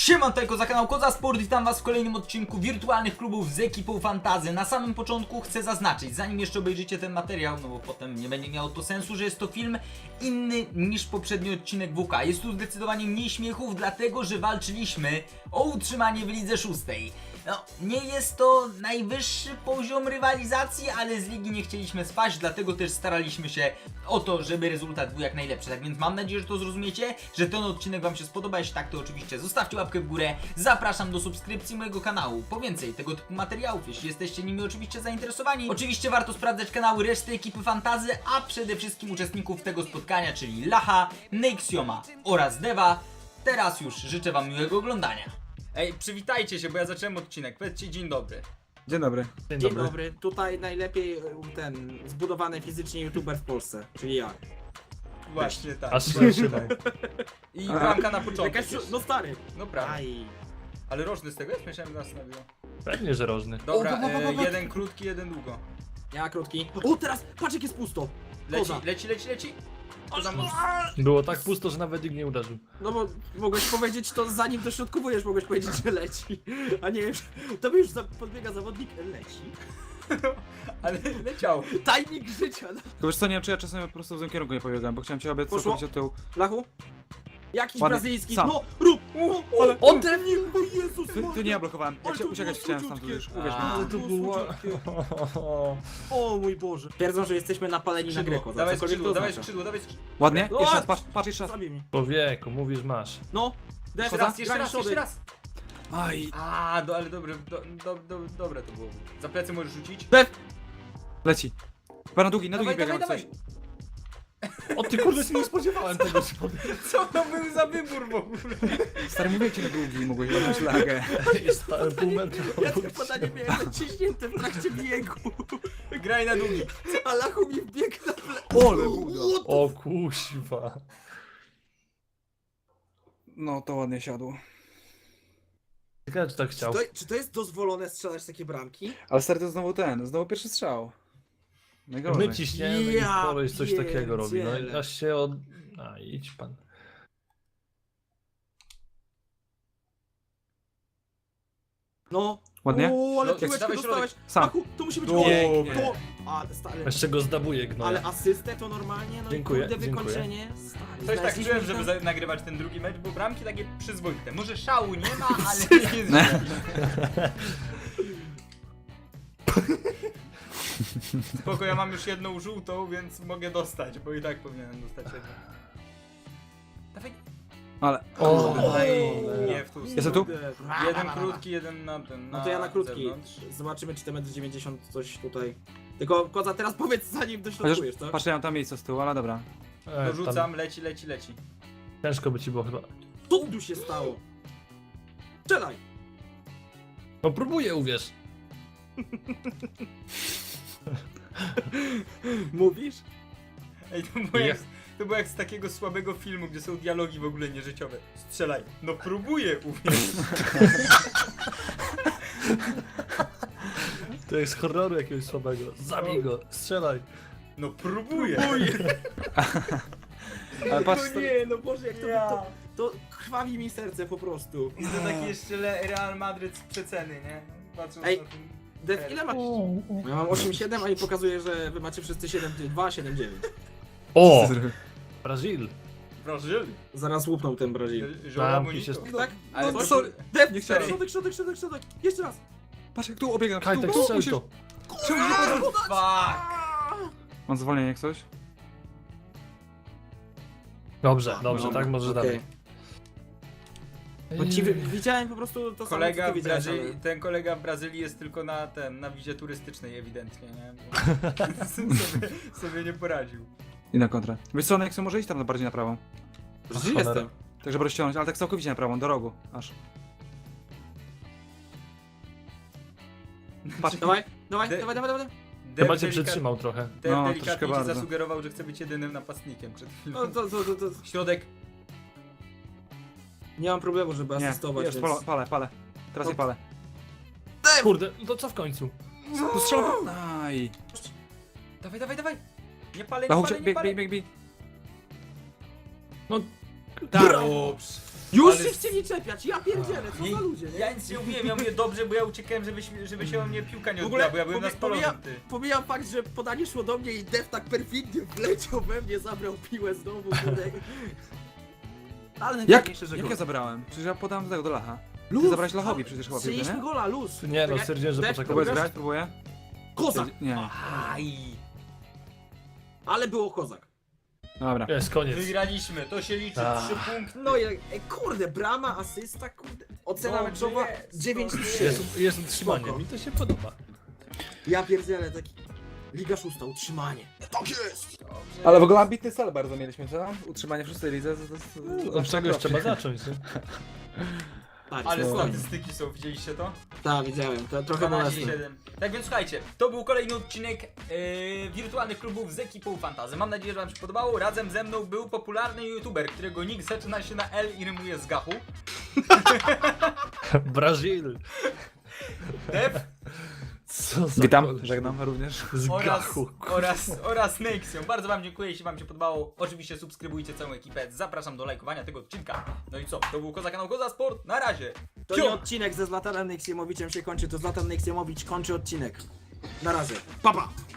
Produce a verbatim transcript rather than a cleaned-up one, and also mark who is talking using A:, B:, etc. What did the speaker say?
A: Siema, tutaj Koza, kanał Koza Sport, witam was w kolejnym odcinku wirtualnych klubów z ekipą Fantazy. Na samym początku chcę zaznaczyć, zanim jeszcze obejrzycie ten materiał, no bo potem nie będzie miało to sensu, że jest to film inny niż poprzedni odcinek W K. Jest tu zdecydowanie mniej śmiechów, dlatego że walczyliśmy o utrzymanie w lidze szóstej. No, nie jest to najwyższy poziom rywalizacji, ale z ligi nie chcieliśmy spaść, dlatego też staraliśmy się o to, żeby rezultat był jak najlepszy. Tak więc mam nadzieję, że to zrozumiecie, że ten odcinek wam się spodoba. Jeśli tak, to oczywiście zostawcie łapkę w górę. Zapraszam do subskrypcji mojego kanału po więcej tego typu materiałów, jeśli jesteście nimi oczywiście zainteresowani. Oczywiście warto sprawdzać kanały reszty ekipy Fantazy, a przede wszystkim uczestników tego spotkania, czyli Lacha, Nexioma oraz Deva. Teraz już życzę wam miłego oglądania. Ej, przywitajcie się, bo ja zacząłem odcinek. Powiedzcie dzień dobry.
B: Dzień dobry.
C: Dzień, Dzień dobry. dobry. Tutaj najlepiej ten zbudowany fizycznie youtuber w Polsce, czyli ja.
A: Właśnie tak.
D: Aż się trzymał.
A: I bramka na początku.
C: Jakaś, no stary.
A: No prawda.
C: Aj.
A: Ale rożny z tego jest? Myślałem, że nas nabiło.
D: Pewnie, że rożny.
A: Dobra,
C: O, bo, bo, bo, bo.
A: e, jeden krótki, jeden długo.
C: Ja krótki. O, teraz patrz jak jest pusto.
A: Leci,
C: Koza.
A: leci, leci, leci. To za mocno.
D: Było tak pusto, że nawet nikt nie uderzył.
C: No bo mogłeś powiedzieć to zanim dośrodkowujesz, mogłeś powiedzieć, że leci. A nie już, to by już za, podbiega zawodnik, leci.
A: Ale leciał.
C: Tajnik życia. No.
B: Tylko wiesz co, nie wiem czy ja czasem po prostu w tym kierunku nie pobiegłem, bo chciałem cię obiec
C: Poszło?
B: całkowicie od tyłu.
C: Lachu? Jakiś
B: Ładnie.
C: brazylijski.
B: Sam.
C: No, rób! O,
B: Ale-
C: ode mnie, o Jezus
B: Ty, ty nie ja blokowałem, jak
C: Ale
B: się
C: to
B: uciekać
C: było
B: chciałem stamtąd już,
C: słodziutkie.
B: uwierz mi.
A: A,
C: Ale to było... O mój Boże. Twierdzą, że jesteśmy napaleni na grę,
A: Skrzydło,
C: Koza.
A: dawaj
C: cokolwiek
A: skrzydło,
C: to
A: dawaj
C: oznacza.
A: skrzydło, dawaj skrzydło.
B: Ładnie?
C: No,
B: Jeszcze raz,
C: a-
B: patrz, patrz jeszcze raz.
C: Zabij mi.
D: Człowieku, mówisz masz.
C: No. Def,
A: Jeszcze raz, jeszcze
C: graj
A: raz, jeszcze
C: środek.
A: raz.
B: Aj,
A: A, do, ale dobre, do, do, do, dobre to było. Za plecy możesz rzucić.
C: Def.
B: leci. Chyba na długi, na długi
A: Dawaj,
B: biegam
A: dawaj,
B: coś.
D: O ty kurde, się nie spodziewałem tego, że powiem.
A: Co to był za wybór w ogóle?
B: Stary, mówię ci na długi, mogłeś ładną szlagę.
D: Jest stałem pół metra.
C: Ja to podanie miałem naciśnięte w trakcie biegu.
A: Graj na długi.
C: A Lachu mi wbiegł na ple...
B: Ole buda.
D: O kuźwa.
B: No to ładnie siadło.
D: Ciekawe, czy tak
C: Czy
D: chciał.
C: to, czy to jest dozwolone strzelać takie bramki?
B: Ale stary, to znowu ten, znowu pierwszy strzał. Najgorzej.
D: My ciśniemy
C: Ja
D: i koleś coś takiego robi. No i
C: pierdzielę.
D: aż się od... A, idź pan.
C: No.
B: Ładnie?
C: O, ale
A: No,
C: piłeczkę
A: dawaj
C: dostałeś.
B: Sam.
C: Lachu, to musi być
B: O,
C: gol.
B: pięknie.
C: To... Ale stary...
D: Jeszcze go zdabuje gnoja.
C: Ale asystę to normalnie, no
D: Dziękuję,
C: i kurde
D: dziękuję.
C: wykończenie. Stary,
A: Coś tak
C: znaleźliśmy
A: czułem, żeby
C: tam-
A: za- nagrywać ten drugi mecz, bo bramki takie przyzwoite. Może szału nie ma, ale nie jest źle. Spoko, ja mam już jedną żółtą, więc mogę dostać, bo i tak powinienem dostać jedną. Dawaj.
B: Ale...
D: O,
A: Aj,
D: cholera.
A: nie w tu.
B: Jestem tu?
C: Kurde.
A: Jeden krótki, jeden na ten.
C: No to ja na krótki.
A: zewnątrz.
C: Zobaczymy czy te metr dziewięćdziesiąt coś tutaj. Tylko Koza, teraz powiedz zanim
B: Chociaż,
C: dośrodkujesz, co?
B: patrz, ja mam tam miejsce z tyłu, ale dobra.
D: E, tam
A: Dorzucam, leci, leci, leci.
D: ciężko by ci było chyba.
C: Co tu się stało? Strzelaj!
D: No próbuję, uwierz.
C: Mówisz?
A: Ej, to było, jak, to było jak z takiego słabego filmu, gdzie są dialogi w ogóle nieżyciowe. Strzelaj. No próbuję, uwierz.
D: To jest z horroru jakiegoś słabego. Zabij go, strzelaj.
A: No próbuję.
B: Ale patrz,
C: No
B: stary,
C: nie, no Boże, jak to,
A: Ja.
C: to, to krwawi mi serce po prostu.
A: I to taki jeszcze le- Real Madryt z przeceny, nie? Patrząc
C: Ej,
A: na ten...
C: Def, ile masz? Ja mam osiem siedem, a mi pokazuje, że wy macie wszyscy siedem dwa, siedem dziewięć.
D: O! Brazil.
A: Brazyl.
C: Zaraz łupną ten Brazil.
A: Żoła
D: Bramki się
A: bonito.
C: Tak?
A: Ale
C: No,
A: to-
C: sorry. Def,
B: Nie chciałem.
C: środek, środek, środek, środek. Jeszcze raz.
B: patrz jak tu obiegam, tu,
D: Kajtek,
B: tu,
D: strzel
B: musisz...
D: to.
A: Fuck.
B: Mam zwolnienie jak coś?
D: Dobrze, dobrze,
C: Dobra,
D: tak możesz
C: okej.
D: dalej.
C: Bo ci wy- widziałem po prostu to
A: Kolega
C: samo, co
A: w
C: ty widziałeś,
A: Brazylii,
C: ale...
A: ten kolega w Brazylii jest tylko na ten, na wizie turystycznej ewidentnie, nie? Bo sobie, sobie nie poradził.
B: I na kontrę. Wiesz co, jak może iść tam bardziej na prawą.
C: Brazil
D: Cholera.
C: jestem.
B: Tak, żeby rozciągnąć, ale tak całkowicie na prawą, do rogu, aż. Patrz,
C: Dawaj, dawaj,
A: De-
C: dawaj, dawaj, dawaj.
A: Dev
D: Chyba cię
A: delika-
D: przytrzymał trochę.
A: Dev
B: No,
A: delikatnie
B: troszkę
A: ci
B: bardzo.
A: zasugerował, że chce być jedynym napastnikiem przed chwilą.
C: No to, to, to, to.
A: Środek.
C: Nie mam problemu, żeby
B: nie,
C: asystować,
B: już,
C: więc...
B: palę, palę, palę. Teraz
C: No.
B: nie palę.
D: Kurde, no to co w końcu?
B: Tu strzelam. Aj.
A: Dawaj, dawaj, dawaj. Nie palę, nie
B: Lachu,
A: palę, nie
B: bieg,
A: palę.
B: bieg, bieg, bieg.
D: No,
B: Tak.
A: Dobrze.
C: Już
A: Ale-
C: się chcieli czepiać, ja pierdzielę, co
A: Nie,
C: za ludzie, nie?
A: ja nic nie mówiłem, ja mówię dobrze, bo ja uciekałem, żeby, się- żeby się o mnie piłka nie
C: W
A: odbiła,
C: ogóle
A: bo ja byłem na
C: pomija-
A: spalonym,
C: pomijam,
A: ty.
C: pomijam fakt, że podanie szło do mnie i Def tak perfidnie wleciał we mnie, zabrał piłę znowu, kurde. Ale
B: Jak,
C: najważniejsze, że
B: jak
C: gol.
B: ja zabrałem? Przecież ja podałem do tego, do Lacha.
C: Luz,
B: Ty zabrałeś Lachowi przecież chyba piłkę,
C: Strzeliśmy
B: nie?
C: gola, luz.
D: Nie no,
C: Czekaj,
D: stwierdziłem, że
C: Def,
D: poczekam.
B: Próbujesz
C: Próbujesz?
B: grać? Próbuję?
C: Kozak,
B: Nie.
A: Aj,
C: ale było kozak.
B: Dobra.
D: Jest, koniec.
A: wygraliśmy, to się liczy,
D: Ah.
A: trzy punkty.
C: No i e, kurde, brama, asysta, kurde. Ocena
A: Dobrze
C: meczowa
A: jest,
C: dziewięć
A: dobrze
C: trzy.
D: Jest, jest utrzymanie,
C: Spoko.
D: mi to się podoba.
C: Ja pierdzielę, taki... Liga szósta, utrzymanie. Tak jest!
A: Dobrze.
B: Ale w ogóle ambitny cel bardzo mieliśmy, co? Utrzymanie w szóstej lidze. To, to, to, to,
D: Od czegoś trzeba zacząć, nie?
C: Tak,
A: Ale
C: jest.
A: statystyki są, widzieliście to?
C: Tak, widziałem, to trochę
A: dwanaście
C: bolesne.
A: siedem. Tak więc słuchajcie, to był kolejny odcinek yy, wirtualnych klubów z ekipą Fantazy. Mam nadzieję, że wam się podobało. Razem ze mną był popularny youtuber, którego nick zaczyna się na L i rymuje z gachu.
D: Brazil.
A: Def
D: Co za
B: Witam,
D: koleś.
B: żegnam również.
D: Z
A: oraz,
D: gachu.
A: oraz, oraz Nexion. Bardzo wam dziękuję, jeśli wam się podobało. Oczywiście subskrybujcie całą ekipę. Zapraszam do lajkowania tego odcinka. No i co? To był Koza Kanał Koza Sport. Na razie.
C: To
A: Cio!
C: nie odcinek ze Zlatanem Neksiemowiczem się kończy, to Zlatan Neksiemowicz kończy odcinek. Na razie. Pa, pa!